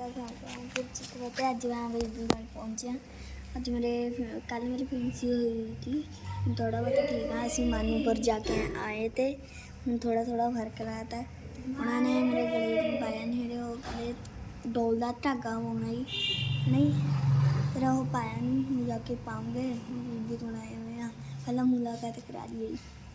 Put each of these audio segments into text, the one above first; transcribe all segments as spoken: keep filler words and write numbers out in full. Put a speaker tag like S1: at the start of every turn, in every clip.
S1: अज मैं बीबी घर पहुंचे अज मेरे कल मेरी फैंसी हुई थी थोड़ा बहुत ठीक है। असं मानू पर जाके आए थे हूँ थोड़ा थोड़ा फर्क रहा था। उन्होंने मेरे गले में पाया नहीं मेरे वो गले डोल का धागा होना ही नहीं फिर वो पाया नहीं जाके पाऊंगे बीबी को आए हुए हैं पहला मुलाकात करा दी।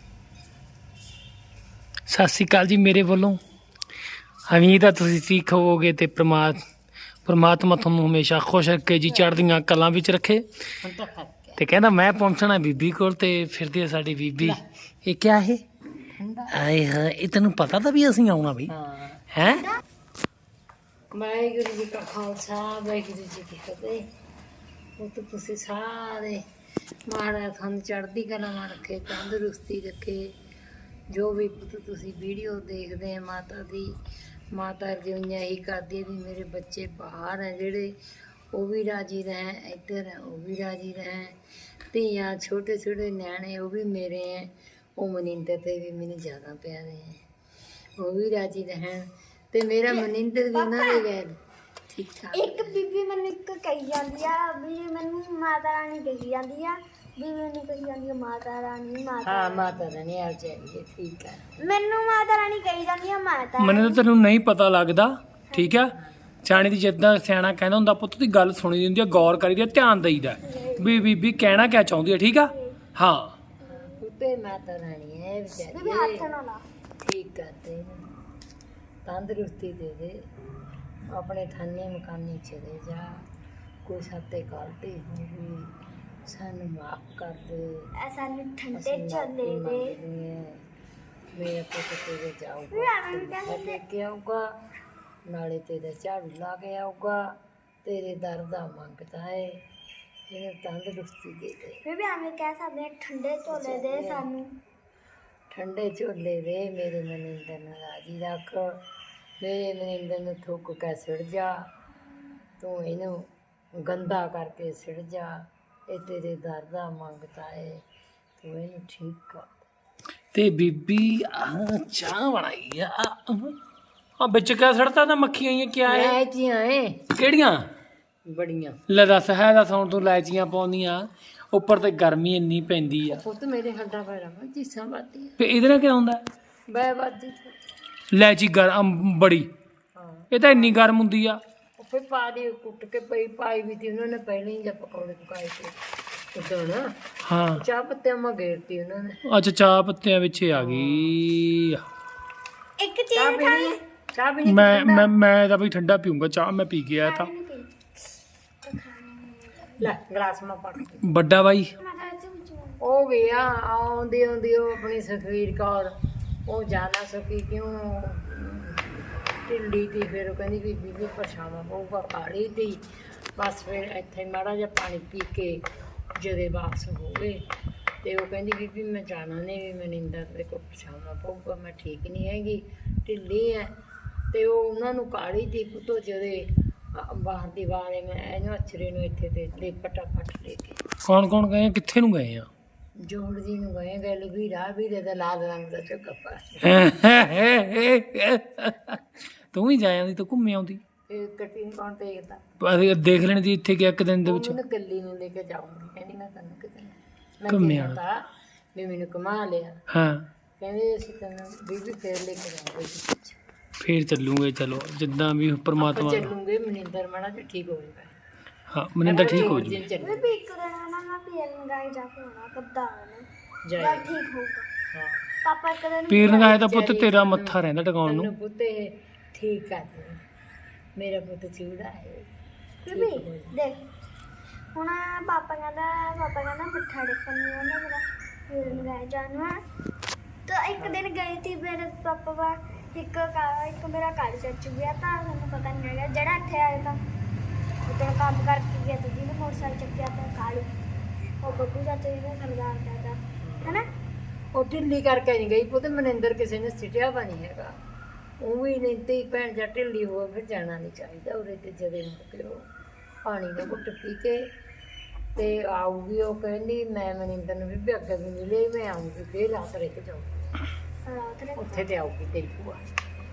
S2: सत श्री अकाल जी मेरे वालों उम्मीद है तुसीं ठीक होवोगे ते परमा परमात्मा तुहानूं हमेशा खुश रखे जी चढ़दियां कलां विच रखे। ते कहंदा मैं पहुंचना बीबी कोल ते फिरदी साडी बीबी ये क्या है आए हां ये तैनूं पता था भी असीं आउणा बई हैं।
S3: वाहिगुरू जी का खालसा वाहिगुरू जी की फतेह। वो तो तुसीं सारे महाराज थानूं चढ़दी कलां रखे तंदुरुस्ती रखे। जो भी पुत तुसीं वीडियो देखते हैं माता दी माता रजोइयां ही करदी है भी मेरे बच्चे बाहर हैं जेड़े वो भी राजी रहें इधर हैं वो भी राजी रहें धियां छोटे छोटे न्याणे वो भी मेरे हैं वो मनिंदर ते भी मैंने ज़्यादा प्यारे हैं वो भी राजी रहें ते मेरा मनिंदर भी उन्हां दे गैर ठीक ठाक।
S1: एक बीबी मैनू एक कही जाती है भी मैनू माता रानी कही जाती है भी मैनू कही जाती है माता रानी माता
S3: हाँ माता रानी आ जाइए ठीक है।
S1: मैनू माता रानी कही जाती है माता
S2: मैंने तो तैनूं नहीं पता लगदा ठीक है। सियाणे दी जिद्दां सियाणा कहंदा हुंदा पुੱਤ दी गल सुणी दी हुंदी है गौर करीदा ध्यान देईदा भी बीबी कहना क्या चाहुंदी है ठीक है। हाँ
S3: उत्ते माता रानी है
S1: बीबी
S3: बेचारी
S1: हाथ ना ला
S3: ठीक करते तंदुरुस्ती दे दे अपने थाने मकानी चले जा कोई साते गलती होगी सानू माफ कर दे
S1: ऐसा नहीं ठंडे चले दे
S3: मेरा पुत तेरे जाऊगा लेके आऊगा नाले तेरे झाड़ू ला के आऊगा तेरे दर दा मंगता है इन्हें तंदुरुस्ती दे दे।
S1: बीबी हमें कह सकते हैं ठंडे चोले दे सानू
S3: ठंडे झोले दे मेरे मनिंदर नूं राजी रख मेरे मनिंदर नूं थुक के सिड़ जा तू इनू गंदा करके सिड़ जा ये तेरे दर दा मंगता है तू इनू ठीक कर।
S2: ते बीबी आ चाह बनाई आ आ बिच क्या सड़ता था मक्खियां ही क्या है
S3: इलायचियां है
S2: केड़ियां
S3: बड़ियां
S2: ले दस है दस हुण तूं इलायचियां पाउंदियां उपर ते गर्मी इन्नी पैंदी आ
S3: पुत मेरे हड्डा पैरा में जीसां बाती
S2: ते इहदे नाल क्या हुंदा
S3: बै बाती
S2: इलायची गर्म बड़ी
S3: हाँ
S2: ये तो इन्नी गर्म हुंदी आ
S3: फिर पा दी कुट के पई पाई भी थी उन्होंने पहले ही जब पकौड़े पकाए थे उधर ना
S2: हाँ
S3: चाह पत्ते में घेरती उन्होंने
S2: अच्छा चाह पत्तियां विच आ गई।
S1: एक
S3: चाह
S1: चीज
S3: पीनी चाह पीनी
S2: मैं मैं मैं तो भाई ठंडा पीऊंगा चाह मैं पी के आया था।
S3: ले गिलास में पड़
S2: बड़ा भाई
S3: हो गया आउंदी आउंदी वो अपनी सुखवीर कौर वो जाना सकी क्यों ढिल्ली थी फिर वो कहती भी बीबी पछावा पऊगा काली थी बस फिर इत्थे माड़ा जिहा पानी पी के जदे वापस हो गए तो वो कहती बीबी मैं जाना नहीं भी मनिंदर दे को पछावा पऊगा मैं ठीक नहीं हैगी ढिल्ली है तो वो उन्होंने काली थी पुतो जदे बाहर दीवारे में इन्हों अछरे नूं इत्थे ते ले फटाफट लेके
S2: कौन कौन गए हैं? कित्थे नूं गए आ
S3: जोड़ जी नूं गए गल भी राह भी दे लाल रंग का झुग्गा पा
S2: तू भी जा आंदी तू घूमे आउंदी
S3: कटी कौन देखता
S2: ਅਸੀਂ देख ਲੈਣੀ ਸੀ ਇੱਥੇ ਕਿ ਇੱਕ ਦਿਨ ਦੇ ਵਿੱਚ
S3: ਉਹਨੂੰ ਕੱਲੀ ਨੂੰ ਲੈ ਕੇ ਜਾਊਂਗੀ ਕਹਿੰਦੀ ਮੈਂ ਤੈਨੂੰ ਕਿਤੇ ਮੈਂ
S2: ਘੁੰਮੇ
S3: ਕਹਿੰਦਾ ਵੀ ਮੈਨੂੰ ਕਮਾ ਲਿਆ
S2: ਹਾਂ
S3: ਕਹਿੰਦੇ ਅਸੀਂ ਤੈਨੂੰ ਬੀਬੀ ਫੇਰ ਲੈ ਕੇ ਜਾਵਾਂਗੇ
S2: ਫੇਰ ਚੱਲੂਗੇ ਚਲੋ ਜਿੱਦਾਂ ਵੀ
S3: ਆਪਾਂ
S2: ਪਰਮਾਤਮਾ
S3: ਚੱਲੂਗੇ ਮਨਿੰਦਰ ਮਾੜਾ ਤੇ ਠੀਕ ਹੋ ਜਾਏਗਾ।
S2: ਹਾਂ ਮਨਿੰਦਰ ਠੀਕ ਹੋ ਜੂ
S1: बीबी एक दिन ना मैं पीर लगाई जाके होना कद्दा होना
S3: ਜਾਏ
S1: ठीक होगा
S3: ਹਾਂ
S1: पापा एक दिन
S2: ਪੀਰ ਨਗਾਏ ਦਾ ਪੁੱਤ ਤੇਰਾ ਮੱਥਾ ਰਹਿੰਦਾ ਟਿਕਾਉਣ ਨੂੰ
S3: ਤੈਨੂੰ ਪੁੱਤੇ ਠੀਕ ਕਰ ਦੇ ਮੇਰਾ ਪੁੱਤ ਚੂੜਾ ਹੈ
S1: बीबी देख ਹੁਣ ਪਾਪਾ ਕਹਿੰਦਾ ਪਾਪਾ ਕਹਿੰਦਾ ਮਿੱਠਾ ਡੇਕਣ ਨੂੰ ਉਹਨੇ ਮੇਰਾ ਪੀਰ ਲਗਾਇਆ ਜਾਨੂ ਤਾਂ ਇੱਕ ਦਿਨ ਗਈ ਸੀ ਮੇਰੇ ਪਾਪਾ ਵਾ ਇੱਕ ਕਾ- ਇੱਕ ਮੇਰਾ ਘਰ ਚੱਚ ਗਿਆ ਤਾਂ ਮੈਨੂੰ ਪਤਾ ਨਹੀਂ ਹੈਗਾ ਜਿਹੜਾ ਇੱਥੇ ਆਇਆ ਤਾਂ ਉਦੋਂ ਕੰਮ ਕਰਕੇ ਗਿਆ ਤਾਂ ਜਿਹਨੇ ਮੋਟਰਸਾਈਕਲ ਚੱਕਿਆ ਤਾਂ ਕਾਲੂ ਉਹ ਬੱਬੂ ਚਾਚਾ ਜੀ ਨੇ ਸਰਦਾਰ ਦਾ ਹੈਨਾ
S3: ਉਹ ਢਿੱਲੀ ਕਰਕੇ ਨਹੀਂ ਗਈ ਪੁੱਤ ਮਨਿੰਦਰ ਕਿਸੇ ਨੇ ਸਿੱਟਿਆ ਵਾ ਨਹੀਂ ਹੈਗਾ ਉਹ ਵੀ ਨਹੀਂ ਤੇ ਭੈਣ ਜਾਂ ਢਿੱਲੀ ਹੋ ਫਿਰ ਜਾਣਾ ਨਹੀਂ ਚਾਹੀਦਾ ਉਰੇ ਤੇ ਜਦੇ ਮੁੜ ਕੇ ਉਹ ਪਾਣੀ ਦਾ ਘੁੱਟ ਪੀ ਕੇ ਤੇ ਆਊਗੀ ਉਹ ਕਹਿੰਦੀ ਮੈਂ ਮਨਿੰਦਰ ਨੂੰ ਵੀ ਅੱਗੇ ਵੀ ਮਿਲੇ ਮੈਂ ਆਊਂਗੀ ਫਿਰ ਰਾਤ ਰਹਿ ਕੇ ਜਾਊਂਗੀ
S1: ਰਾਤ ਨੇ
S3: ਉੱਥੇ ਤੇ ਆਊਗੀ ਤੇਰੀ ਭੂਆ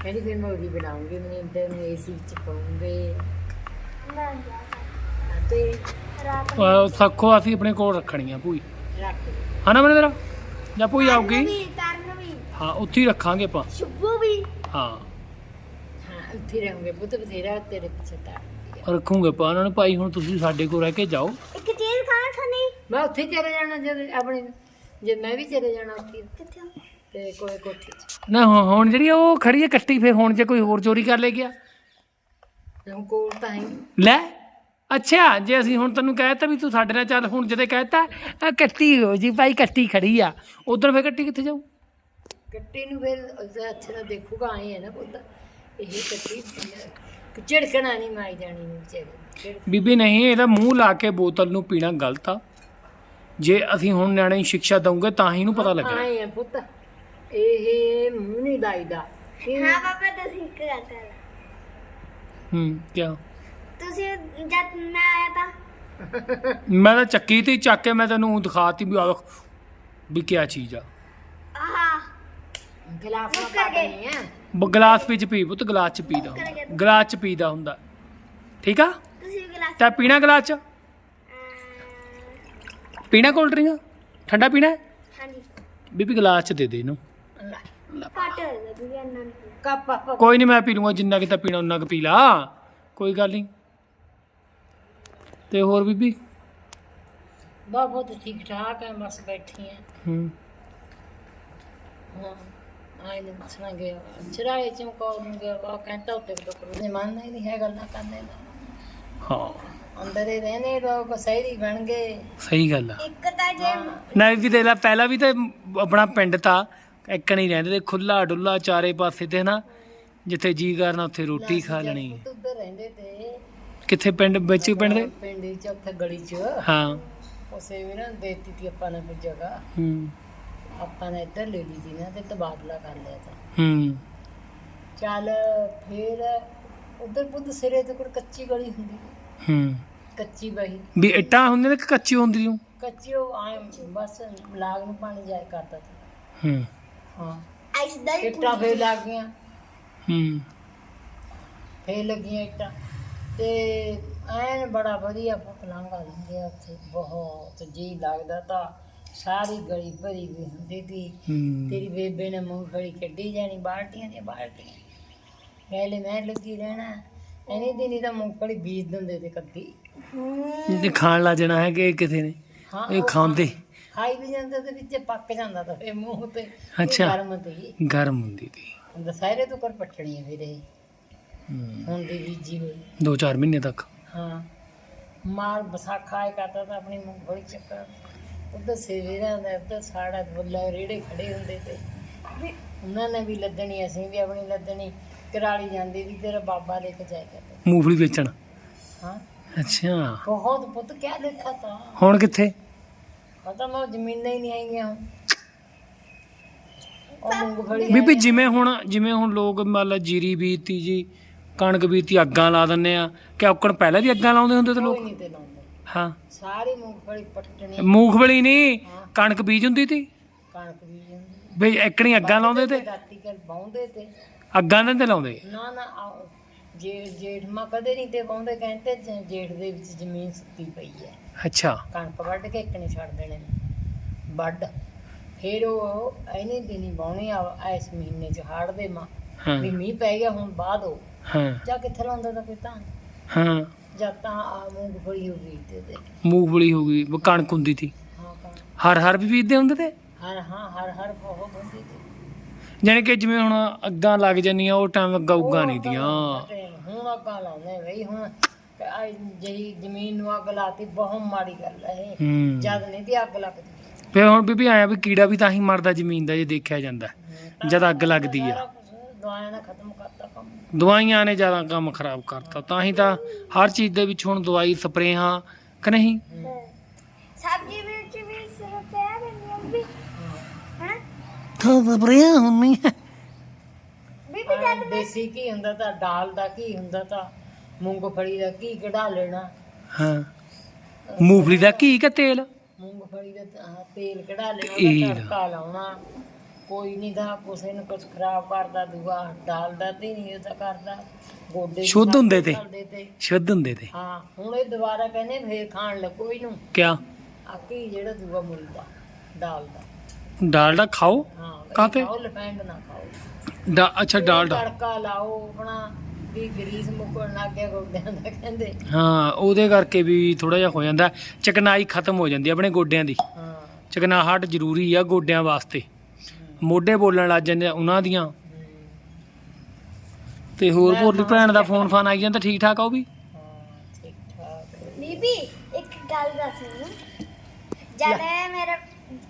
S3: ਕਹਿੰਦੀ ਫਿਰ ਮੈਂ ਉਹਦੀ ਬਣਾਉਂਗੀ ਮਨਿੰਦਰ ਨੂੰ ਏਸੀ ਵਿੱਚ ਪਾਉਂਗੇ
S1: ਨਾ ਜਾ
S3: ਤੇ
S1: ਰਾਤ ਨੂੰ
S2: ਅਹ ਸੱਖੋ ਅਸੀਂ ਆਪਣੇ ਕੋਲ ਰੱਖਣੀਆਂ ਭੂਈ
S3: ਰੱਖ ਦੇ।
S2: ਹਨਾ ਮਨੇ ਤੇਰਾ ਜਾਂ ਭੂਈ ਆਊਗੀ
S1: ਵੀ ਕਰਨ ਵੀ
S2: ਹਾਂ ਉੱਥੇ ਹੀ ਰੱਖਾਂਗੇ ਆਪਾਂ
S1: ਸ਼ੁਭੂ ਵੀ
S2: ਹਾਂ
S3: ਹਾਂ ਉੱਥੇ ਰਹੋਗੇ ਪੁੱਤ ਬਥੇਰਾ ਤੇਰੇ ਪਿੱਛੇ ਤਾਂ
S2: ਰੱਖੂਗੇ ਆਪਾਂ ਉਹਨਾਂ ਨੂੰ ਭਾਈ ਹੁਣ ਤੁਸੀਂ ਸਾਡੇ ਕੋਲ ਰਹਿ ਕੇ ਜਾਓ
S1: ਇੱਕ ਚੀਜ਼ ਖਾਣਾ ਖਾਣੀ
S3: ਮੈਂ ਉੱਥੇ ਹੀ ਚਲੇ ਜਾਣਾ ਜਦ ਆਪਣੇ ਜੇ ਮੈਂ ਵੀ ਚਲੇ ਜਾਣਾ ਉੱਥੇ
S1: ਕਿੱਥੇ
S3: ਤੇ ਕੋਈ ਕੋਠੀ ਚ
S2: ਨਾ ਹੁਣ ਹੁਣ ਜਿਹੜੀ ਉਹ ਖੜੀ ਹੈ ਕੱਟੀ ਫਿਰ ਹੁਣ ਜੇ ਕੋਈ ਹੋਰ ਚੋਰੀ ਕਰ ਲੈ ਗਿਆ
S3: ਹੁਣ ਕੋਲ ਤਾਂ ਹੈ
S2: ਲੈ ਅੱਛਾ ਜੇ ਅਸੀਂ ਹੁਣ ਤੈਨੂੰ ਕਹਿਤਾ ਵੀ ਤੂੰ ਸਾਡੇ ਨਾਲ ਚੱਲ ਹੁਣ ਜਦੇ ਕਹਿਤਾ ਆਹ ਕੱਟੀ ਹੋ ਜੀ ਭਾਈ ਕੱਟੀ ਖੜੀ ਆ ਉਧਰ ਫੇਰ ਕੱਟੀ ਕਿੱਥੇ ਜਾਊ
S3: ਕੱਟੀ ਨੂੰ ਫਿਰ ਉਹਦਾ ਅੱਛਾ ਤਾਂ ਦੇਖੂਗਾ ਆਏ ਹੈ ਨਾ ਪੁੱਤ ਇਹ ਕੱਟੀ ਝਿੜਕਣਾ ਨਹੀਂ ਮਾਈ ਜਾਣੀ ਨੂੰ ਵਿਚਾਰੀ
S2: ਬੀਬੀ ਨਹੀਂ ਇਹਦਾ ਮੂੰਹ ਲਾ ਕੇ ਬੋਤਲ ਨੂੰ ਪੀਣਾ ਗਲਤ ਆ ਜੇ ਅਸੀਂ ਹੁਣ ਨਿਆਣੇ ਨੂੰ ਸਿੱਖਿਆ ਦਊਂਗੇ ਤਾਂ ਹੀ ਇਹਨੂੰ ਪਤਾ ਲੱਗਣਾ
S3: ਆਏ ਆ ਪੁੱਤ ਇਹ ਮੂੰਹ ਨਹੀਂ ਲਾਈਦਾ ਇਹ
S1: ਹਾਂ ਪਾਪਾ ਤੁਸੀਂ ਇੱਕ ਗੱਲ ਕਰ
S2: ਹੂੰ ਕਿਆ
S1: ਤੁਸੀਂ ਜਦ ਮੈਂ ਆਇਆ ਤਾਂ
S2: ਮੈਂ ਤਾਂ ਚੱਕੀ ਤੇ ਹੀ ਚੱਕ ਕੇ ਮੈਂ ਤੈਨੂੰ ਦਿਖਾਤੀ ਵੀ ਆਹ ਵੀ ਕਿਆ ਚੀਜ਼ ਆ
S1: ਆਹਾ
S3: ਗਲਾਸ ਨਾਲ ਪਾ ਦੇਣੀ ਆ
S2: ਬ- ਗਲਾਸ ਵਿੱਚ ਪੀ ਪੁੱਤ ਗਲਾਸ ਚ ਪੀਦਾ ਹੁੰਦਾ ਗਲਾਸ ਚ ਪੀਦਾ ਹੁੰਦਾ ਠੀਕ ਆ
S1: ਤੁਸੀਂ ਵੀ ਗਲਾਸ
S2: ਤਾਂ ਪੀਣਾ ਗਲਾਸ ਚ ਪੀਣਾ ਕੋਲਡ ਡਰਿੰਕ ਠੰਡਾ ਪੀਣਾ ਹੈ?
S1: ਹਾਂਜੀ
S2: ਬੀਬੀ ਗਲਾਸ ਚ ਦੇ ਦੇ ਇਹਨੂੰ
S1: ਘੱਟ ਹੋ ਗਿਆ ਵੀ ਇਹਨਾਂ ਨੂੰ
S3: ਕੱਪ ਕੱਪ
S2: ਕੋਈ ਨਹੀਂ ਮੈਂ ਪੀ ਲੂੰਗਾ ਜਿੰਨਾ ਕਿ ਤਾਂ ਪੀਣਾ ਉਨਾ ਕੁ ਪੀ ਲਾ ਕੋਈ ਗੱਲ ਨਹੀਂ ਤੇ ਹੋਰ ਬੀਬੀ
S3: ਬਹੁਤ ਬਹੁਤ ਠੀਕ ਠਾਕ ਹੈ ਬਸ ਬੈਠੀ ਹੈ
S2: ਹੂੰ
S3: ਹਾਂ ਆਏ ਨੇ ਸੁਣਾ ਗਿਆ ਚਰਾਏ ਚਮਕੌਰ ਨੂੰ ਗਿਆ ਉਹ ਕਹਿੰਦਾ ਉੱਤੇ ਟੋਕਰ ਨੇ ਮੰਨਦਾ ਹੀ ਨਹੀਂ ਹੈ ਗੱਲਾਂ ਕਰਨੇ ਦਾ
S2: ਹਾਂ
S3: ਅੰਦਰ ਹੀ ਰਹਿਣੇ ਲੋਕ ਸਹਿਰੀ ਬਣ ਗਏ
S2: ਸਹੀ ਗੱਲ ਆ
S1: ਇੱਕ ਤਾਂ ਜੇ
S2: ਨਾ ਵੀ ਦੇਖ ਲਾ ਪਹਿਲਾਂ ਵੀ ਤੇ ਆਪਣਾ ਪਿੰਡ ਤਾਂ ਇੱਕ ਨਹੀਂ ਰਹਿੰਦੇ ਤੇ ਖੁੱਲਾ ਡੁੱਲਾ ਚਾਰੇ ਪਾਸੇ ਤੇ ਨਾ ਜਿੱਥੇ ਜੀ ਕਰਨਾ ਉੱਥੇ ਰੋਟੀ ਖਾ ਲੈਣੀ
S3: ਪੁੱਤ ਉੱਧਰ ਰਹਿੰਦੇ ਤੇ
S2: ਕਿੱਥੇ ਪਿੰਡ ਵਿੱਚ ਪਿੰਡ ਦੇ
S3: ਪਿੰਡ ਚ ਉੱਥੇ ਗਲੀ ਚ
S2: ਹਾਂ
S3: ਉਸੇ ਵੀ ਨਾ ਦੇਤੀ ਤੀ ਆਪਾਂ ਨੇ ਕੋਈ ਜਗ੍ਹਾ
S2: ਹੂੰ
S3: ਆਪਾਂ ਨੇ ਇੱਧਰ ਲੈ ਲਈ ਸੀ ਨਾ ਤੇ ਤਬਾਦਲਾ ਕਰ ਲਿਆ ਤਾਂ
S2: ਹੂੰ
S3: ਚੱਲ ਫਿਰ ਉਧਰ ਪੁੱਤ ਸਿਰੇ ਤੇ ਕੋਈ ਕੱਚੀ ਗਲੀ ਹੁੰਦੀ
S2: ਹੂੰ
S3: ਕੱਚੀ ਬਹੀ
S2: ਵੀ ਇੱਟਾਂ ਹੁੰਦੀਆਂ ਨੇ ਕਿ ਕੱਚੀ ਹੁੰਦੀ ਓ
S3: ਕੱਚੀ ਉਹ ਆਏ ਬਸ ਲਾਗ ਨੂੰ ਪਾਣੀ ਜਾਏ ਕਰਦਾ ਸੀ
S2: ਹੂੰ
S3: ਹਾਂ
S1: ਆਈਸ ਦਾ ਹੀ
S3: ਇੱਟਾਂ ਫੇਰ ਲੱਗ ਗਈਆਂ
S2: ਹੂੰ
S3: ਫੇਰ ਲੱਗੀਆਂ ਇੱਟਾਂ ਤੇ ਐਨ ਬੜਾ ਵਧੀਆ ਪਲਾਂਗਾ ਲੰਘਿਆ ਉੱਥੇ ਬਹੁਤ ਜੀ ਲੱਗਦਾ ਤਾਂ ਸਾਰੀ ਗਲੀ ਭਰੀ ਹੋਈ ਹੁੰਦੀ ਤੀ
S2: ਹੂੰ
S3: ਤੇਰੀ ਬੇਬੇ ਨੇ ਮੂੰਗਫਲੀ ਕੱਢੀ ਜਾਣੀ ਬਾਲਟੀਆਂ ਦੀਆਂ ਬਾਲਟੀਆਂ ਪਹਿਲੇ ਮੈਂ ਲੱਗੀ ਰਹਿਣਾ ਐਨੀ ਦਿਨ ਹੀ ਤਾਂ ਮੂੰਗਫਲੀ ਬੀਜ ਦਿੰਦੇ ਤੇ ਕੱਦੀ
S2: ਇਹ ਖਾਣ ਲਾ ਜਾਣਾ ਹੈ ਕਿ ਕਿਸੇ ਨੇ
S3: ਹਾਂ
S2: ਇਹ
S3: ਉਹ
S2: ਖਾਂਦੇ
S3: ਖਾਈ ਵੀ ਜਾਂਦੇ ਤੇ ਵਿੱਚ ਪੱਕ ਜਾਂਦਾ ਤਾਂ ਫੇ ਮੂੰਹ ਤੇ ਇਹ
S2: ਅੱਛਾ।
S3: ਗਰਮ ਤੇ
S2: ਗਰਮ ਹੁੰਦੀ ਤੀ
S3: ਦਸਹਿਰੇ ਤੋਂ ਕਰ ਪੱਟਣੀ ਹੈ ਵੀਰੇ
S2: ਹੂੰ
S3: ਹੁਣ ਦੀ ਬੀਜੀ ਹੋਈ
S2: ਦੋ ਚਾਰ ਮਹੀਨੇ ਤੱਕ
S3: ਹਾਂ ਮਾਰ ਬਸਾਖਾ ਆਏ ਕਰਦਾ ਤਾਂ ਆਪਣੀ ਮੂੰਗਫਲੀ ਚੱਕਰ ਉਧਰ ਸੇਵੇਰਾ ਦਾ ਉਧਰ ਸਾੜਾ ਬੁੱਲਾ ਰੇੜੇ ਖੜੇ ਹੁੰਦੇ ਤੇ ਵੀ ਉਹਨਾਂ ਨੇ ਵੀ ਲੱਦਣੀ ਅਸੀਂ ਵੀ ਆਪਣੀ ਲੱਦਣੀ ਕਰਾਲੀ ਜਾਂਦੀ ਸੀ ਤੇਰਾ ਬਾਬਾ ਲੈ ਕੇ ਜਾਇਆ ਕਰਦਾ
S2: ਮੂੰਗਫਲੀ ਵੇਚਣ
S3: ਹਾਂ
S2: ਅੱਛਾ
S3: ਬਹੁਤ ਪੁੱਤ ਕਿਆ ਦੇਖਾ ਤਾਂ
S2: ਹੁਣ ਕਿੱਥੇ
S3: ਖਤਮ ਹੋ ਜ਼ਮੀਨਾਂ ਹੀ ਨਹੀਂ ਆਈਆਂ ਹੁਣ ਉਹ ਮੂੰਗਫਲੀ
S2: ਬੀਬੀ ਜਿਵੇਂ ਹੁਣ ਜਿਵੇਂ ਹੁਣ ਲੋਕ ਮੰਨ ਲਾ ਜੀਰੀ ਬੀਜਤੀ ਜੀ ਕਣਕ ਬੀਜਤੀ ਅੱਗਾਂ ਲਾ ਦਿੰਦੇ ਆ ਕਿ ਔਕਣ ਪਹਿਲਾਂ ਵੀ ਅੱਗਾਂ ਲਾਉਂਦੇ ਹੁੰਦੇ ਤੇ
S3: ਕੋਈ
S2: ਲੋਕ
S3: ਨਹੀਂ ਤੇ ਲਾਉਂਦੇ
S2: ਹਾਂ
S3: ਸਾਰੀ ਮੂੰਗਫਲੀ ਪੱਟਣੀ
S2: ਮੂੰਗਫਲੀ ਨਹੀਂ
S3: ਹਾਂ।
S2: ਕਣਕ ਬੀਜ ਹੁੰਦੀ ਤੀ
S3: ਕਣਕ ਵੀ ਜਾਂਦੀ
S2: ਬਈ ਇੱਕਣੀ ਅੱਗਾਂ ਲਾਉਂਦੇ ਤੇ
S3: ਦਾਤੀ ਕਰ ਬਾਉਂਦੇ ਤੇ
S2: ਅੱਗਾਂ ਨਾਲ ਤੇ ਲਾਉਂਦੇ
S3: ਨਾ ਨਾ ਆਓ, ਜੇ ਜੇਠ ਮਾ ਕਦੇ ਨਹੀਂ ਤੇ ਬਾਉਂਦੇ ਕਹਿੰਦੇ ਜ- ਜੇਠ ਦੇ ਵਿੱਚ ਜ਼ਮੀਨ ਸੁੱਤੀ ਪਈ ਹੈ
S2: ਅੱਛਾ
S3: ਕਣਕ ਵੱਢ ਕੇ ਇੱਕ ਨਹੀਂ ਛੱਡ ਦੇਣੇ ਵੱਢ ਫਿਰ ਉਹ ਐਨੇ ਦਿਨੀ ਬਾਉਣੀ ਆ ਇਸ ਮਹੀਨੇ ਚ ਹਾੜ ਦੇ ਮਾਂ
S2: ਹਾਂ
S3: ਵੀ ਮੀਂਹ ਪੈ ਗਿਆ ਹੁਣ ਬਾਅਦ ਉਹ
S2: ਹਾਂ
S3: ਜਾਂ ਕਿੱਥੇ ਲਾਉਂਦਾ ਤਾਂ ਕੋਈ ਤਾਂ
S2: ਹਾਂ
S3: ਜਾਂ ਤਾਂ ਆ ਮੂੰਗਫਲੀ ਹੋ ਗਈ ਤੇ ਤੇ
S2: ਮੂੰਗਫਲੀ ਹੋ ਗਈ ਵੀ ਕਣਕ ਹੁੰਦੀ ਤੀ
S3: ਹਾਂ ਕਣਕ
S2: ਹਰ ਹਰ ਵੀ ਬੀਜਦੇ ਹੁੰਦੇ ਤੇ
S3: ਹਰ ਹਾਂ ਹਰ ਹਰ ਬਹੁਤ ਹੁੰਦੀ ਤੇ
S2: ਜਾਣੀ ਕਿ ਜਿਵੇਂ ਹੁਣ ਅੱਗਾਂ ਲੱਗ ਜਾਂਦੀਆਂ ਉਹ ਟਾਈਮ ਅੱਗਾ ਉੱਗਾ ਨਹੀਂ
S3: ਉਹ
S2: ਦੀਆਂ
S3: ਅੱਗਾਂ ਹੁਣ ਅੱਗਾਂ ਲਾਉਂਦੇ ਬਈ ਹੁਣ ਆਹ ਜਿਹੜੀ ਜ਼ਮੀਨ ਨੂੰ ਅੱਗ ਲਾਤੀ ਬਹੁਤ ਮਾੜੀ ਗੱਲ ਹੈ ਇਹ
S2: ਹੂੰ
S3: ਜਦ ਨਹੀਂ ਦੀ ਅੱਗ ਲੱਗਦੀ
S2: ਫਿਰ ਹੁਣ ਬੀਬੀ ਆਇਆ ਵੀ ਕੀੜਾ ਵੀ ਤਾਂ ਹੀ ਮਰਦਾ ਜ਼ਮੀਨ ਦਾ ਜੇ ਦੇਖਿਆ ਜਾਂਦਾ ਜਦ ਅੱਗ ਲੱਗਦੀ
S3: ਸਾਰਾ
S2: ਆ
S3: ਕੁਛ ਦਵਾਈਆਂ ਨੇ ਖਤਮ ਕਰਤਾ ਕੰਮ
S2: ਦਵਾਈਆਂ ਨੇ ਜ਼ਿਆਦਾ ਕੰਮ ਖਰਾਬ ਕਰਤਾ ਤਾਂ ਹੀ ਤਾਂ ਹਰ ਚੀਜ਼ ਦੇ ਵਿੱਚ ਹੁਣ ਦਵਾਈ ਸਪਰੇਹਾਂ ਕਿ ਨਹੀਂ
S1: ਸਬਜ਼ੀ ਵਿੱਚ ਵੀ ਸਿਰ ਪਿਆ ਬੰਦੀ ਵੀ ਹੈ
S2: ਤਾਂ ਸਪਰੇਹਾਂ ਹੁੰਨੀ
S1: ਬੀਬੀ
S3: ਆਹ ਦੇਸੀ ਘੀ ਹੁੰਦਾ ਤਾਂ ਦਾਲ ਦਾ ਘੀ ਹੁੰਦਾ ਤਾਂ ਮੂੰਗਫਲੀ ਦਾ ਘੀ ਕਢਾ ਲੈਣਾ
S2: ਹਾਂ ਮੂੰਗਫਲੀ ਦਾ ਘੀ ਕਿ ਤੇਲ
S3: ਮੂੰਗਫਲੀ ਦਾ ਤਾਂ ਆਹ ਤੇਲ ਕਢਾ ਲੈਣਾ
S2: ਤੇਲ।
S3: ਉਹਦਾ ਤੜਕਾ ਲਾਉਣਾ ਕੋਈ ਨਹੀਂ ਦਾ ਕਿਸੇ ਨੂੰ ਕੁਝ ਖਰਾਬ ਕਰਦਾ, ਦੂਆ ਡਾਲਦਾ ਤੇ ਨਹੀਂ ਉਹ ਤਾਂ ਕਰਦਾ, ਗੋਡੇ ਵੀ
S2: ਸ਼ੁੱਧ ਹੁੰਦੇ ਤੇ।
S3: ਚੱਲਦੇ ਤੇ।
S2: ਸ਼ੁੱਧ ਹੁੰਦੇ ਤੇ
S3: ਹਾਂ ਹੁਣ ਇਹ ਦੁਬਾਰਾ ਕਹਿੰਦੇ ਫੇਰ ਖਾਣ ਲੱਗੋ ਇਹਨੂੰ,
S2: ਕਿਆ
S3: ਆਕੀ ਜਿਹੜਾ ਦੂਆ ਮਿਲਦਾ ਡਾਲਦਾ।
S2: ਡਾਲਡਾ ਖਾਓ
S3: ਹਾਂ
S2: ਕਾਹਤੇ?
S3: ਖਾਓ, ਰਿਫਾਈਂਡ ਨਾ ਖਾਓ।
S2: ਡਾ ਅੱਛਾ ਡਾਲਡਾ
S3: ਤੜਕਾ ਲਾਓ ਆਪਣਾ, ਵੀ ਗਰੀਸ ਮੁੱਕਣ ਲੱਗ ਗਿਆ ਗੋਡਿਆਂ ਦਾ ਕਹਿੰਦੇ।
S2: ਹਾਂ ਉਹਦੇ ਕਰਕੇ ਵੀ ਥੋੜਾ ਜਿਹਾ ਹੋ ਜਾਂਦਾ, ਚਕਨਾਈ ਖਤਮ ਹੋ ਜਾਂਦੀ ਆਪਣੇ ਗੋਡਿਆਂ ਦੀ।
S3: ਹਾਂ
S2: ਚਕਨਾਹਟ ਜ਼ਰੂਰੀ ਆ ਗੋਡਿਆਂ ਵਾਸਤੇ, ਮੋਢੇ ਬੋਲਣ ਲੱਗ ਜਾਂਦੇ ਆ ਉਹਨਾਂ ਦੀਆਂ।
S3: ਹਮ,
S2: ਤੇ ਹੋਰ ਭੋਲੀ ਭੈਣ ਦਾ ਫੋਨ ਫਾਨ ਆਈ ਜਾਂਦਾ ਠੀਕ ਠਾਕ ਆ ਉਹ ਵੀ?
S3: ਹਾਂ ਠੀਕ ਠਾਕ।
S1: ਬੀਬੀ ਇੱਕ ਗੱਲ ਦੱਸ ਮੈਨੂੰ, ਜਦ ਮੇਰੇ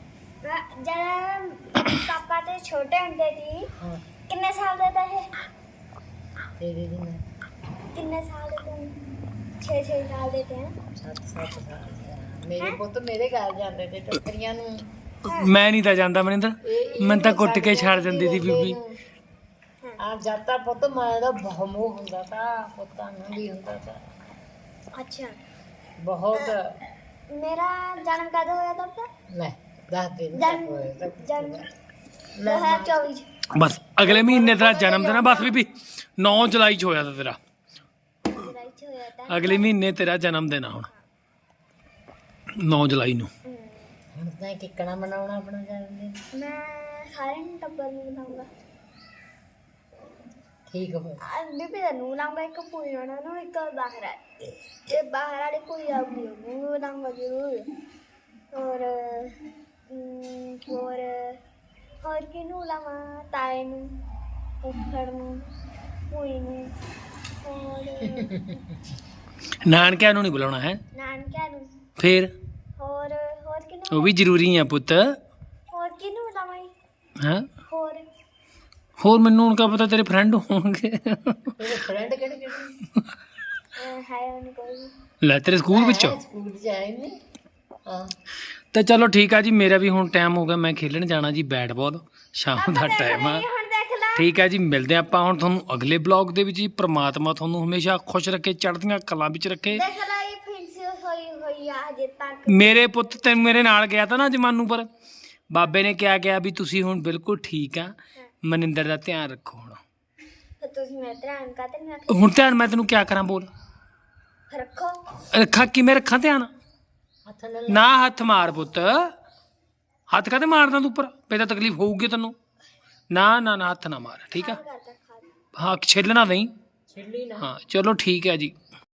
S1: ਜਦ ਪਾਪਾ ਤੇ ਛੋਟੇ ਹੁੰਦੇ ਸੀ
S3: ਹਾਂ
S1: ਕਿੰਨੇ ਸਾਲ ਦੇ ਤਾਂ ਇਹ
S3: ਤੇਰੇ ਦੀ ਮੈਂ
S1: ਕਿੰਨੇ ਸਾਲ ਦੇ ਤੇ ਛੇ ਛੇ ਸਾਲ ਦੇ ਤੇ ਹੈਂ?
S3: ਸੱਤ ਸੱਤ ਸਾਲ ਦਾ। ਮੇਰੇ ਪੁੱਤ ਮੇਰੇ ਘਰ ਜਾਂਦੇ ਤੇ ਟੱਕਰੀਆਂ ਨੂੰ।
S2: ਮੈਂ ਨਹੀਂ ਤਾਂ ਜਾਂਦਾ ਮਨਿੰਦਰ,
S3: ਇਹ-
S2: ਮੈਨੂੰ ਤਾਂ ਕੁੱਟ ਕੇ ਛੱਡ ਦਿੰਦੀ ਸੀ ਬੀਬੀ।
S3: ਆ ਜਾਤਾ ਪੁੱਤ ਮੈਂ ਦਾ ਬਹੁਤ ਮੋਹ ਹੁੰਦਾ ਤਾ, ਪੁੱਤਾਂ ਨੂੰ ਵੀ ਹੁੰਦਾ ਤਾ
S1: ਅੱਛਾ
S3: ਬਹੁਤ।
S1: ਮੇਰਾ ਜਨਮ ਕਦੋਂ ਹੋਇਆ ਤਾਂ
S3: ਲੈ ਦੱਸ ਦੇ
S1: ਜਨਮ ਜਨਮ ਦੋ ਹਜ਼ਾਰ ਚੌਵੀ ਚ
S2: ਬਸ ਅਗਲੇ ਮਹੀਨੇ ਤੇਰਾ ਜਨਮ ਦਿਨ ਆ ਬਸ ਬੀਬੀ, ਨੌ ਜੁਲਾਈ ਚ ਹੋਇਆ ਤਾਂ ਤੇਰਾ,
S1: ਜੁਲਾਈ ਚ ਹੋਇਆ ਤਾਂ।
S2: ਅਗਲੇ ਮਹੀਨੇ ਤੇਰਾ ਜਨਮ ਦਿਨ ਆ ਹੁਣ ਨੌ ਜੁਲਾਈ ਨੂੰ।
S1: ਹਮ,
S3: ਹੁਣ ਤਾਂ ਕਿੱਕਣਾ ਬਣਾਉਣਾ ਆਪਣਾ ਜਨਮ ਦਿਨ।
S1: ਮੈਂ ਸਾਰਿਆਂ ਨੂੰ ਟੱਬਰ ਨੂੰ ਬਣਾਉਂਗਾ।
S3: ਠੀਕ ਹੋ
S1: ਆ ਬੀਬੀ ਦਾ ਨੂੰ ਲਾਉਂਗਾ, ਇੱਕ ਪੂਰੀ ਉਹਨਾਂ ਨੂੰ, ਇੱਕ ਬਾਹਰ ਆ ਤੇ ਬਾਹਰ ਵਾਲੀ ਕੁੜੀ ਆਉਗੀ ਉਹਨੂੰ ਬਣਾਉਂਗਾ ਜ਼ਰੂਰ। ਔਰ ਅਮ, ਹੋਰ ਹੋਰ ਕਿਹਨੂੰ ਲਾਵਾਂ? ਤਾਏ ਨੂੰ, ਫੁੱਫੜ ਨੂੰ, ਭੂਈ ਨੂੰ, ਹੋਰ
S2: ਨਾਨਕਿਆਂ ਨੂੰ ਨਹੀਂ ਬੁਲਾਉਣਾ ਹੈ
S1: ਨਾਨਕਿਆਂ ਨੂੰ,
S2: ਫੇਰ?
S1: ਹੋਰ ਹੋਰ ਕਿਹਨੂੰ
S2: ਉਹ ਵੀ ਜ਼ਰੂਰੀ ਆ ਪੁੱਤ।
S1: ਹੋਰ ਕਿਹਨੂੰ ਲਾਵਾਂ ਜੀ?
S2: ਹਾਂ
S1: ਹੋਰ
S2: ਹੋਰ ਮੈਨੂੰ ਹੁਣ ਕਾ ਪਤਾ ਤੇਰੇ ਫਰੈਂਡ ਹੋਣਗੇ।
S3: ਤੇਰੇ ਫਰੈਂਡ ਕਿਹੜੇ ਕਿਹੜੇ?
S1: ਅਹ, ਹੈ ਉਹਨੂੰ ਕੋਈ
S2: ਲੈ ਤੇਰੇ ਸਕੂਲ ਵਿੱਚੋਂ?
S3: ਹੈ, ਸਕੂਲ ਚ ਆਏ ਨੇ। ਹਾਂ
S2: ਤੇ ਚਲੋ ਠੀਕ ਆ ਜੀ, ਮੇਰਾ ਵੀ ਹੁਣ ਟਾਈਮ ਹੋ ਗਿਆ, ਮੈਂ ਖੇਲਣ ਜਾਣਾ ਜੀ ਬੈਟ ਬਾਲ, ਸ਼ਾਮ ਦਾ ਟਾਈਮ ਆ।
S1: ਹੁਣ ਦੇਖ ਲੈ।
S2: ਠੀਕ ਹੈ ਜੀ, ਮਿਲਦੇ ਹਾਂ ਆਪਾਂ ਹੁਣ ਤੁਹਾਨੂੰ ਅਗਲੇ ਬਲੌਗ ਦੇ ਵਿੱਚ ਜੀ। ਪ੍ਰਮਾਤਮਾ ਤੁਹਾਨੂੰ ਹਮੇਸ਼ਾ ਖੁਸ਼ ਰੱਖੇ, ਚੜ੍ਹਦੀਆਂ ਕਲਾਂ ਵਿੱਚ ਰੱਖੇ।
S1: ਦੇਖ ਲੈ ਇਹ ਫਿੰਸੀ ਹੋਈ ਹੋਈ ਆ ਹਜੇ ਤੱਕ।
S2: ਮੇਰੇ ਪੁੱਤ ਤੇ ਮੇਰੇ ਨਾਲ ਗਿਆ ਤਾਂ ਨਾ ਜਮਾਨੂ ਪਰ, ਬਾਬੇ ਨੇ ਕਿਹਾ ਕਿਹਾ ਵੀ ਤੁਸੀਂ ਹੁਣ ਬਿਲਕੁਲ ਠੀਕ ਆ, ਮਨਿੰਦਰ ਦਾ ਧਿਆਨ ਰੱਖੋ ਹੁਣ।
S1: ਫਿਰ ਤੁਸੀਂ ਮੇਰੇ ਧਿਆਨ ਕਾਤੇ ਨਹੀਂ ਰੱਖਦੇ?
S2: ਹੁਣ ਧਿਆਨ ਮੈਂ ਤੈਨੂੰ ਕਿਆ ਕਰਾਂ ਬੋਲ?
S1: ਰੱਖੋ।
S2: ਰੱਖਾਂ ਕਿਵੇਂ ਰੱਖਾਂ ਧਿਆਨ?
S3: ਹੱਥ ਨਾਲ
S2: ਨਾ ਹੱਥ ਮਾਰ ਪੁੱਤ, ਹੱਥ ਕਾਤੇ ਮਾਰਦਾ ਤੂੰ ਉੱਪਰ? ਪੇ ਤਾਂ ਤਕਲੀਫ ਹੋਊਗੀ ਤੈਨੂੰ। ਨਾ ਨਾ ਨਾ ਹੱਥ ਨਾ ਮਾਰ, ਠੀਕ ਆ?
S1: ਕਰਦਾ ਖਾ
S2: ਹਾਂ ਛਿੱਲਣਾ ਨਹੀਂ।
S3: ਛਿੱਲੀ ਨਾ।
S2: ਹਾਂ ਚਲੋ ਠੀਕ ਹੈ ਜੀ।